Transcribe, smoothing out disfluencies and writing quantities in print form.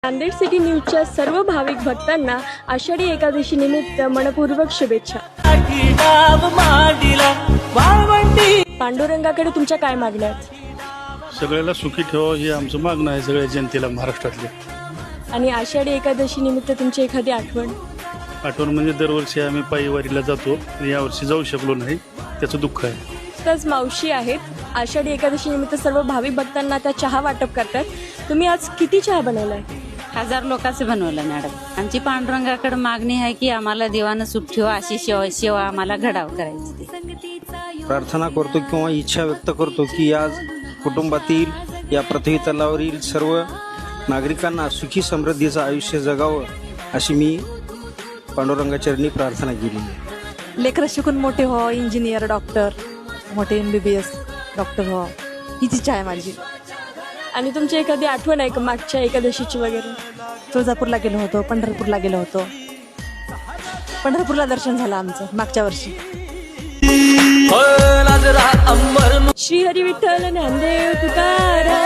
Nanded city न्यूजच्या सर्व भाविक भक्तांना आषाढी एकादशी निमित्त मनपूर्वक शुभेच्छा. पांडुरंगाकडे तुमच्या काय मागण्या आहेत? सगळ्याला सुखी ठेवा हे आमचं मागणं आहे सगळ्या जनतेला महाराष्ट्रातले. आणि आषाढी एकादशी निमित्त तुमची एखादी आठवण? आठवण म्हणजे दरवर्षी आम्ही पायी वारीला जातो, यावर्षी जाऊ शकलो नाही, त्याचं दुःख आहे. त्याच मावशी आहेत. आषाढी एकादशी निमित्त सर्व भाविक भक्तांना त्या चहा वाटप करतात. तुम्ही आज किती चहा बनवलाय? 1000 लोकांचं बनवलं मॅडम. आमची पांडुरंगाकडे मागणी आहे की आम्हाला देवानं सुख ठेवा, अशी सेवा आम्हाला घडाव करायची. प्रार्थना करतो किंवा इच्छा व्यक्त करतो की आज कुटुंबातील या पृथ्वी तलावरील सर्व नागरिकांना सुखी समृद्धीचं आयुष्य जगावं अशी मी पांडुरंगाचरणी प्रार्थना केली. लेकरं शिकून मोठे हो, इंजिनियर, डॉक्टर, मोठे MBBS डॉक्टर हो, हीच इच्छा आहे माझी. आणि तुमची एखादी आठवण आहे का मागच्या एकादशीची वगैरे? तुळजापूरला गेलो होतो, पंढरपूरला गेलो होतो. पंढरपूरला दर्शन झालं आमचं मागच्या वर्षी. श्री हरी विठ्ठल नामदेव तुकाराम.